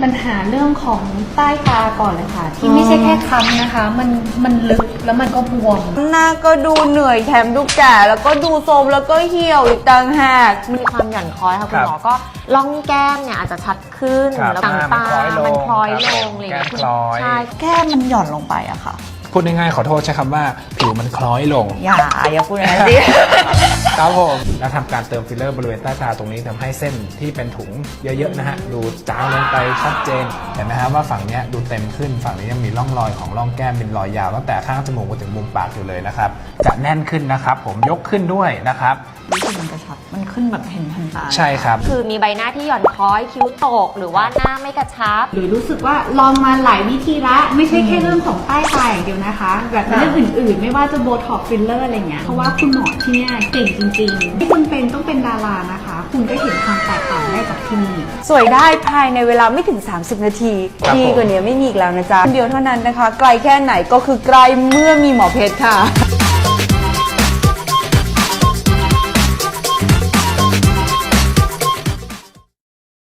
ปัญหาเรื่องของใต้ตาก่อนเลยค่ะที่ไม่ใช่แค่ค้ำนะคะมันลึกแล้วมันก็บวมหน้าก็ดูเหนื่อยแถมดูแก่แล้วก็ดูโทรมแล้วก็เหี่ยวอีกต่างหากมีความหย่อนคล้อยค่ะคุณหมอก็ล่องแก้มเนี่ยอาจจะชัดขึ้นแล้วต่างตามันคล้อยลงอะไรอย่างเงี้ยใช่แก้มมันหย่อนลงไปอะค่ะพูดง่ายๆขอโทษใช้คำว่าผิวมันคล้อยลงอย่าพูดอย่างนั้นสิครับผมแล้วทำการเติมฟิลเลอร์บริเวณใต้ตาตรงนี้ทำให้เส้นที่เป็นถุงเยอะๆนะฮะดูจางลงไปชัดเจนเห็นไหมฮะว่าฝั่งนี้ดูเต็มขึ้นฝั่งนี้ยังมีร่องรอยของร่องแก้มเป็นรอยยาวตั้งแต่ข้างจมูกมาถึงมุมปากอยู่เลยนะครับจะแน่นขึ้นนะครับผมยกขึ้นด้วยนะครับรู้สึกมันกระชับมันขึ้นแบบเห็นทันตาใช่ครับคือมีใบหน้าที่หย่อนคล้อยคิ้วตกหรือว่าหน้าไม่กระชับหรือรู้สึกว่าลองมาหลายวิธีละไม่ใช่แค่เรื่องของใต้ตาอย่างเดียวนะคะแบบเรื่องอื่นๆไม่ว่าจะโบท็อกฟิลเลอร์อะไรเงี้ยเพราะว่าคุณหมอที่เนี่ยเก่งจริงๆไม่จำเป็นต้องเป็นดารานะคะคุณก็เห็นความแตกต่างได้จากที่นี่สวยได้ภายในเวลาไม่ถึง30นาทีดีกว่านี้ไม่มีอีกแล้วนะจ๊ะคนเดียวเท่านั้นนะคะไกลแค่ไหนก็คือไกลเมื่อมีหมอเพชรค่ะ